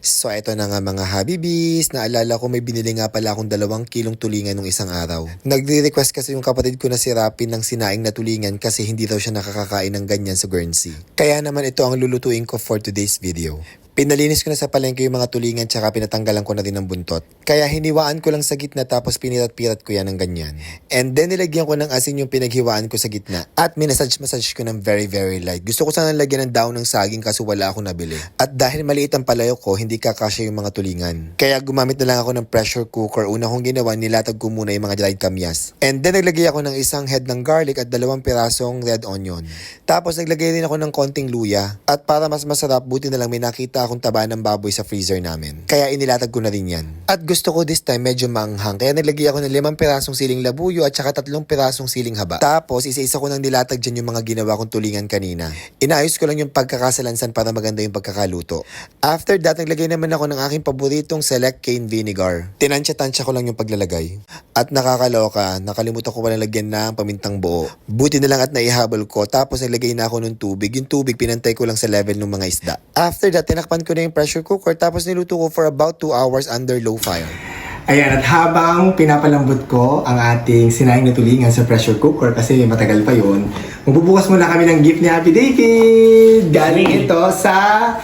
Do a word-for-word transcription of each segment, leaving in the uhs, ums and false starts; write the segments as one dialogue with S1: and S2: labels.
S1: So eto na nga mga Habibis, naalala ko may binili nga pala akong dalawang kilong tulingan nung isang araw. Nagre-request kasi yung kapatid ko na si Rapin ng sinaing na tulingan kasi hindi daw siya nakakakain ng ganyan sa Guernsey. Kaya naman ito ang lulutuin ko for today's video. Pinalinis ko na sa palengke yung mga tulingan tsaka pinatanggalan ko na din ng buntot. Kaya hiniwaan ko lang sa gitna tapos pinirat-pirat ko yan ng ganyan. And then nilagyan ko ng asin yung pinaghiwaan ko sa gitna. At minasage-massage ko ng very very light. Gusto ko sana lagyan ng daon ng saging kaso wala akong nabili. At dahil maliit ang palayok ko, hindi kakasya yung mga tulingan. Kaya gumamit na lang ako ng pressure cooker. Una kong ginawa, nilatag ko muna yung mga dried kamyas. And then naglagay ako ng isang head ng garlic at dalawang pirasong red onion. Tapos naglagay rin ako ng konting luya. At para mas masarap, buti na lang may nakita akong taba ng baboy sa freezer namin. Kaya inilatag ko na rin yan. At gusto ko this time medyo maanghang. Kaya naglagay ako ng limang pirasong siling labuyo at saka tatlong pirasong siling haba. Tapos isa-isa ko nang nilatag dyan yung mga ginawa kong tulingan kanina. Inaayos ko lang yung pagkakasalansan para maganda yung pagkakaluto. After that, naglagay naman ako ng aking paboritong select cane vinegar. Tinansya-tansya ko lang yung paglalagay. At nakakaloka, nakalimutan ko pala lagyan na ang pamintang buo. Buti na lang at naihabol ko. Tapos naglagay na ako ng tubig. Yung tubig pinantay ko lang sa level ng mga isda. After that, tinakpan ko na yung pressure cooker tapos niluto ko for about two hours under low fire.
S2: Ayan, at habang pinapalambot ko ang ating sinaing na tulingan sa pressure cooker kasi matagal pa yun, magbubukas muna kami ng gift ni Happy David. Galing ito sa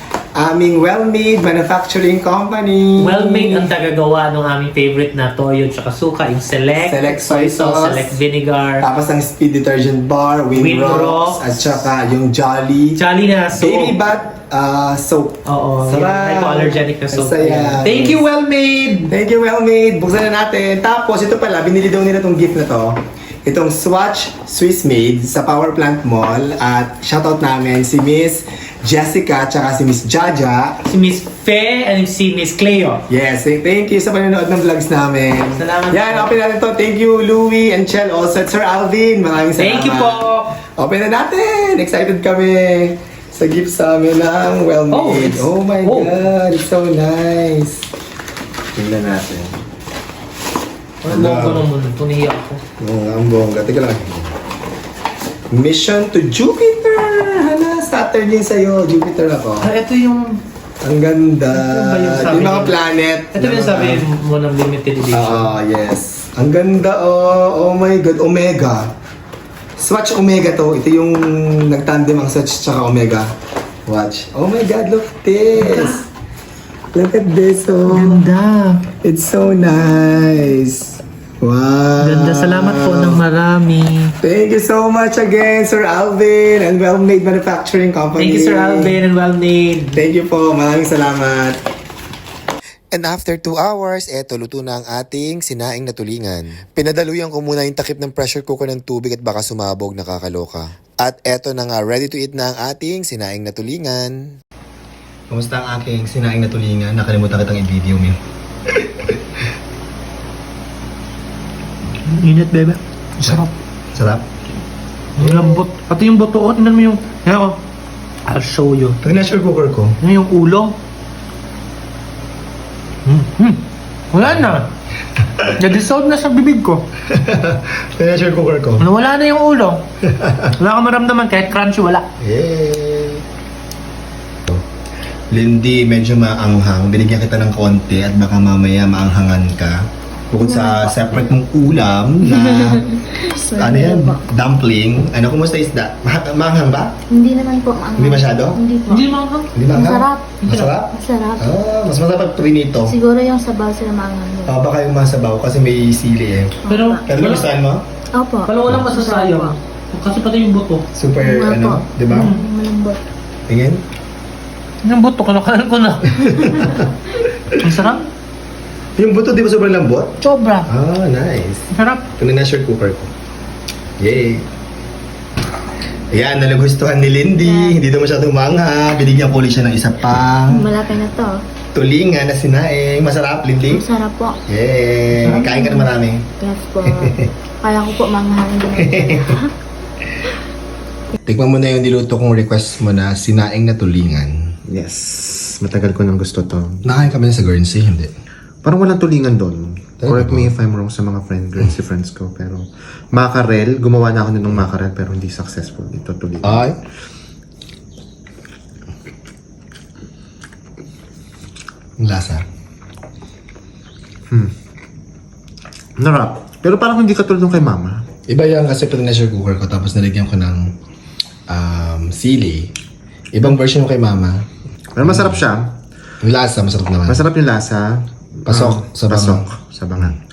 S2: aming Well-Made Manufacturing Company.
S3: Well-Made ang tagagawa ng aming favorite na toyo tsaka suka, yung Select,
S2: Select soy sauce,
S3: Select vinegar,
S2: tapos ang speed detergent bar,
S3: Winrocks,
S2: Winrocks, at saka yung Jolly
S3: Jolly na soap.
S2: Baby Bat uh, soap.
S3: Oo, yung
S2: Sarap.
S3: hypoallergenic na soap.
S2: Saya.
S3: Thank you, Well-Made!
S2: Thank you, Well-Made. Buksan na natin. Tapos, ito pala, binili daw nila itong gift na to. Itong Swatch Swiss Made sa Power Plant Mall. At shoutout namin si Miss Jessica at si Miss Jaja.
S3: Si Miss Fe and si Miss Cleo.
S2: Yes, thank you sa panonood ng vlogs namin.
S3: Salamat
S2: Yan,
S3: po.
S2: open natin to. Thank you, Louie and Chel. Also, at Sir Alvin. Maraming salamat.
S3: Thank you po!
S2: Open na natin. Excited kami sa gift sa amin ng Well-Made.
S3: Oh,
S2: Oh, my
S3: oh.
S2: God, it's so nice. Tingnan natin.
S3: Ang bongga naman, tuniya ako.
S2: Oo nga, ang bongga. Teka lang. Mission to Jupiter! Hala, Saturn din sa'yo. Jupiter ako.
S3: Ah, ito yung...
S2: Ang ganda.
S3: Ito ba yung sabi
S2: Yung mga
S3: ni-
S2: planet.
S3: Ito yung sabi mo ng limited edition.
S2: Oo, yes. Ang ganda, oh. Oh my God. Omega. Swatch Omega to. Ito yung nagtandem ang Swatch tsaka Omega. Watch. Oh my God, look at this. Look at this, oh.
S3: Ganda.
S2: It's so nice. Wow.
S3: Ganda. Salamat po ng marami.
S2: Thank you so much again, Sir Alvin and Well-Made Manufacturing Company.
S3: Thank you, Sir Alvin and Well-Made.
S2: Thank you po. Maraming salamat.
S1: And after two hours, eto luto na ang ating sinaing na tulingan. Pinadaluyan ko muna yung takip ng pressure cooker ng tubig at baka sumabog, nakakaloka. At eto na nga, ready to eat na ang ating sinaing na tulingan.
S2: Kumusta ang aking sinaing na tulingan? Nakalimutan kitang i-video mo.
S3: Init, bebe. Sarap.
S2: Sarap.
S3: Ang lambot. Pati yung buto, oh, tingnan mo yung... Yan, oh. I'll show you.
S2: Pag na-pressure cooker ko,
S3: Yan yung ulo. Hmm. Hmm. Wala na. Na-dissolve na sa bibig ko.
S2: pag na-pressure cooker ko.
S3: Wala na yung ulo. Wala ka maramdaman kahit crunchy, wala.
S2: Yay! Lindy, medyo maanghang. Binigyan kita ng konti at baka mamaya maanghangan ka. Bukod sa separate mong ulam na ano yan, dumpling. Ano, kumusta isda? Ma- maanghang ba?
S4: Hindi naman po maanghang.
S2: Hindi masyado?
S4: Hindi po.
S3: Hindi maanghang.
S2: Hindi maanghang?
S4: Masarap.
S2: Masarap?
S4: Masarap.
S2: Ah, mas masarap pag prinito.
S4: Siguro yung sabaw sila maanghang doon.
S2: Ah, baka yung masabaw kasi may sili eh.
S3: Pero,
S2: Pero gustuhan mo?
S4: Opo.
S3: Pero walang masasayang. Kasi pati yung buto.
S2: Super,
S4: Nga
S2: ano,
S4: po.
S2: di ba?
S4: Mm, malambot.
S2: Tingin?
S3: Yung buto, kinakain ko na. Ang sarap.
S2: Yung buto, di ba sobrang lambot?
S3: Sobra.
S2: Ah, nice.
S3: Ang sarap.
S2: Ito na na-share cooker ko. Yay! Ayan, nalugustuhan ni Lindy. Hindi daw masyadong mangha. Binigyan ko ulit siya ng isa pang
S4: Malaki na to.
S2: tulingan na sinaing. Masarap, Lindy?
S4: Masarap po.
S2: Yay! Kain ka na marami.
S4: Yes po. Kaya ko po maanghang din.
S2: Tikman mo na yung niluto kong request mo na sinaing na tulingan. Yes. Matagal ko nang gusto to. Nakain kami sa Guernsey, hindi?
S5: Parang walang tulingan doon.
S2: Talaga
S5: Correct
S2: ba?
S5: me if I'm wrong sa mga friend, Guernsey friends ko. Pero mackerel, gumawa na ako nun ng mackerel pero hindi successful. Ito tulingan.
S2: Ay. Ang lasa.
S5: Narap. Pero parang hindi katulad nung kay mama.
S2: Iba yan kasi pressure cooker ko tapos nalagyan ko ng um, sili. Ibang version yung kay mama.
S5: Pero masarap siya.
S2: Yung lasa, masarap naman.
S5: Masarap yung lasa.
S2: Pasok
S5: Um,
S2: sa bangang.
S5: Pasok sa bangang.